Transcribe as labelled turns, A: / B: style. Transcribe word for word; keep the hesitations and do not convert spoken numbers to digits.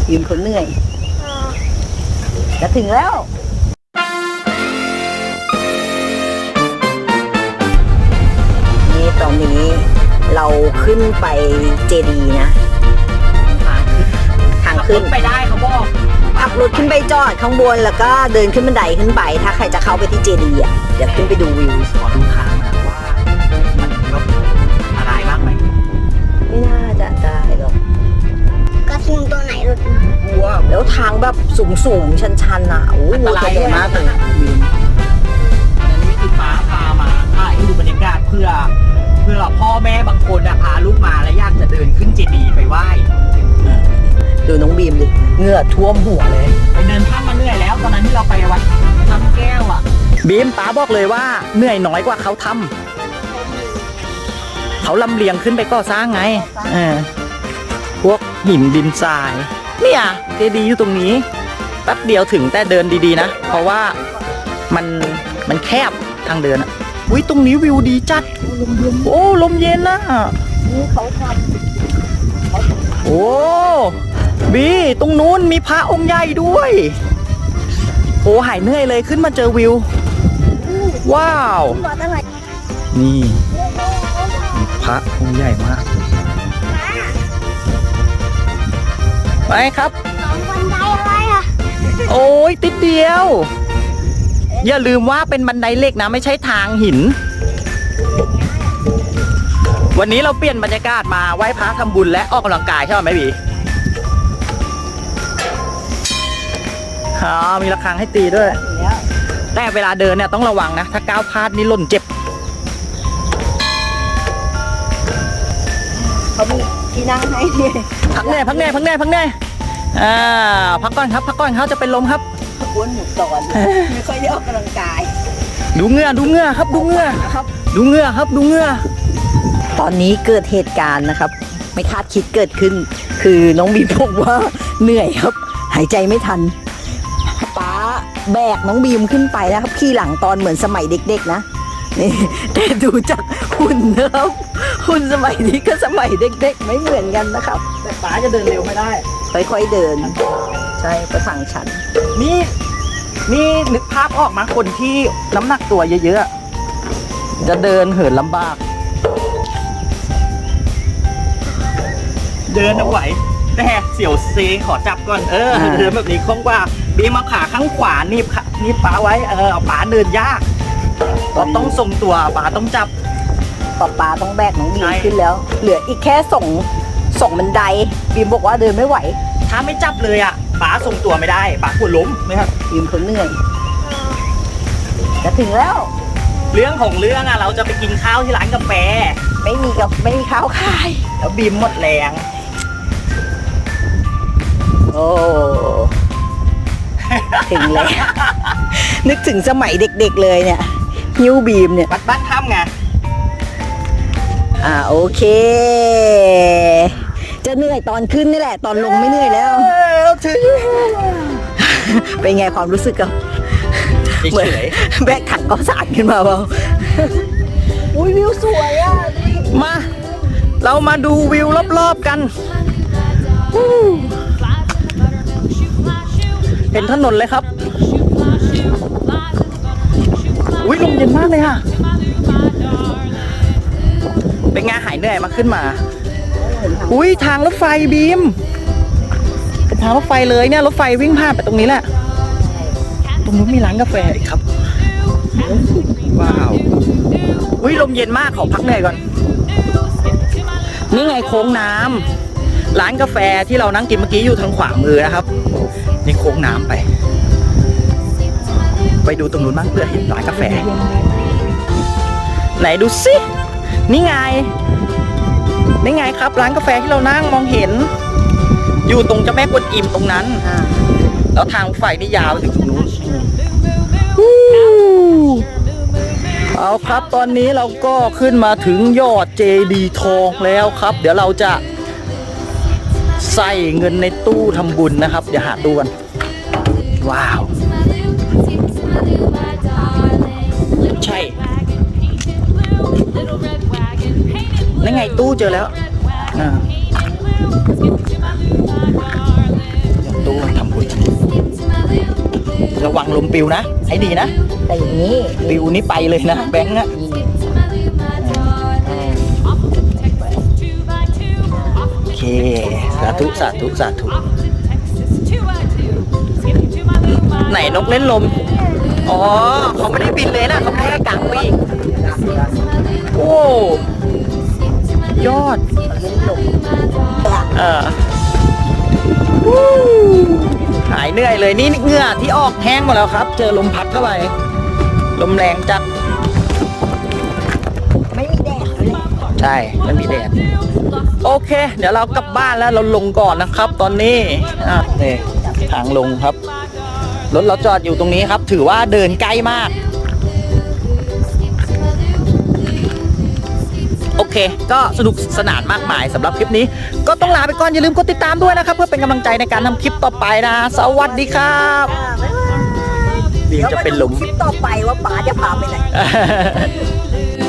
A: ยืนคนเหนื่อยจะถึงแล้วนี่ตอนนี้เราขึ้นไปเจดีย์นะทางขึ้น
B: ไปได้เขาบอก
A: ขับรถขึ้นไปจอดข้างบนแล้วก็เดินขึ้นบันไดขึ้นไปถ้าใครจะเข้าไปที่เจดีย์อ่ะเดี๋ยวขึ้นไปดูวิว
B: ขอดูทางนะว่ามันก็อะไรบ้างไหม
A: ไม่น่าจะได้หรอก
C: กระทิงตัวไหนหลุดมา
A: วัวแล้วทางแบบสูงสูงชันชันอ่ะโอ้โหตัวใหญ่มากเลยวิว
B: อันนี้คือฟ้าพามาถ่ายให้ดูบรรยากาศเพื่อเพื่อพ่อแม่บางคนพาลูกมาแล้วอยากจะเดินขึ้นเจดีย์ไปไหว้
A: ดูน้องบีมดิเหงื่อท่วมหัวเลย
B: ไปเดินข้ามมาเหนื่อยแล้วตอนนั้นที่เราไปวัดน้ำแก้วอ่ะบีมป๋าบอกเลยว่าเหนื่อยน้อยกว่าเขาทำเขาลำเลียงขึ้นไปก่อสร้างไงเออพวกหินดินทรายเนี่ยเจดีย์อยู่ตรงนี้แป๊บเดียวถึงแต่เดินดีๆนะเพราะว่ามันมันแคบทางเดินอ่ะอุ้ยตรงนี้วิวดีจัดโอ้ลมเย็นนะ
A: นี่เขาท
B: ำโอ้บีตรงนู้นมีพระองค์ใหญ่ด้วยโอ้หายเหนื่อยเลยขึ้นมาเจอวิวว้าวนี่พระองค์ใหญ่มากไปครับ
C: สองบันไดอะไรอ่ะ
B: โอ้ยติดเดียวอย่าลืมว่าเป็นบันไดเหล็กนะไม่ใช่ทางหินวันนี้เราเปลี่ยนบรรยากาศมาไหว้พระทำบุญและออกกำลังกายใช่ไหมบีอ๋อมีระฆังให้ตีด้วยแต่เวลาเดินเนี่ยต้องระวังนะถ้าก้าวพลาดนี่หล่นเจ็บ
A: เขามีที่นั่งให้ดิ
B: พักแน่พักแน่พักแน่พักแน่อ่าพักก่อนครับพักก่อนเขาจะเป็นลมครับ
A: อ้วนหมูสอนไม่ค่อยได้ออกกำลังกาย
B: ดูเงือดูเงือครับดูเงือครับดูเงือครับดูเงือ
A: ตอนนี้เกิดเหตุการณ์นะครับไม่คาดคิดเกิดขึ้นคือน้องบีมบอกว่าเหนื่อยครับหายใจไม่ทันป้าแบกน้องบีมขึ้นไปนะครับขี่หลังตอนเหมือนสมัยเด็กๆนะนี่แต่ดูจากหุ่นนะครับหุ่นสมัยนี้ก็สมัยเด็กๆไม่เหมือนกันนะครับ
B: แต่ป้าจะเดินเร็วไม่ได้
A: ค่อยๆเดินใช่ประทังชัน
B: นี่นี่นึกภาพออกมาคนที่น้ำหนักตัวเยอะๆจะเดินเหินลำบากเดินเอาไหวแต่เสี่ยวเซขอจับก่อนเออเดินแบบนี้คล่องกว่าบีมาขาข้างขวานี่นี่ป้าไว้เออเอาป้าเดินยากเราต้องทรงตัวป้าต้องจับ
A: ป้าป้าต้องแบกน้องบีมขึ้นแล้วเหลืออีกแค่ส่งส่งบันไดบีมบอกว่าเดินไม่ไหว
B: ถ้าไม่จับเลยอ่ะป้าทรงตัวไม่ได้ป้ากลัวล้มไหมครับ
A: บีมคนเหนื่อยจะถึงแล้ว
B: เรื่องของเรื่องอ่ะเราจะไปกินข้าวที่ร้านกาแฟ
A: ไม่มีกับไม่มีข้าวขาย
B: แล้วบีมหมดแรง
A: โอ้ถึงแล้วนึกถึงสมัยเด็กๆเลยเนี่ยฮิวบีมเนี่ย
B: วัดบ้านถ้ำไง
A: อ่าโอเคจะเหนื่อยตอนขึ้นนี่แหละตอนลงไม่เหนื่อยแล้ว
B: ถึง
A: เป็นไงความรู้สึกกับ
B: เหมือน
A: แบกถังก็สานขึ้นมาเปล่าอุ้ยวิวสวยอ่ะ
B: มาเรามาดูวิวรอบๆกันเห็นถนนเลยครับอุ้ยลมเย็นมากเลยค่ะเป็นไงหายเหนื่อยมาขึ้นมาอุ้ยทางรถไฟบีมเป็นทางรถไฟเลยเนี่ยรถไฟวิ่งผ่านไปตรงนี้แหละตรงนู้นมีร้านกาแฟอีกครับว้าวอุ้ยลมเย็นมากขอพักเหนื่อยก่อนนี่ไงโค้งน้ำร้านกาแฟที่เรานั่งกินเมื่อกี้อยู่ทางขวามือนะครับนี่โค้งน้ำไปไปดูตรงนู้นบ้างเพื่อเห็นร้านกาแฟไหนดูสินี่ไงนี่ไงครับร้านกาแฟที่เรานั่งมองเห็นอยู่ตรงเจ้าแม่กวนอิมตรงนั้นแล้วทางไฟนี่ยาวไปถึงตรงนู้นเอาครับตอนนี้เราก็ขึ้นมาถึงยอดเจดีย์ทองแล้วครับเดี๋ยวเราจะใส่เงินในตู้ทำบุญนะครับเดี๋ยวหาตู้กันว้าวใช่นั่นไงตู้เจอแล้วงลมปิวนะ ให้ดีนะ
A: แต่อย่างนี้
B: ปิวนี่ไปเลยนะแบงค์อะ
A: นี่
B: โอเค สาธุ สาธุ สาธุ ไหนนกเล่นลม อ๋อ เขาไม่ได้บินเลยนะเขาแค่กางปีกโอ้ ยอด เออวู้หายเหนื่อยเลยนี่เหงื่อที่ออกแห้งหมดแล้วครับ เจอลมพัดเข้าไป ลมแรงจัด
A: ไม่มีแดดเลย
B: ใช่ไม่มีแดด โอเค เดี๋ยวเรากลับบ้านแล้วเราลงก่อนนะครับ ตอนนี้อ่ะนี่ทางลงครับ รถเราจอดอยู่ตรงนี้ครับ ถือว่าเดินใกล้มาก โอเค ก็สนุกสนานมากมายสำหรับคลิปนี้ ก็ต้องลาไปก่อน อย่าลืมกดติดตามด้วยนะครับ เพื่อเป็นกำลังใจในการทำคลิปต่อไปนะ สวัสดีครับบีมจะเป็นลม
A: คลิปต่อไปว่าป๋าจะพาไปไหน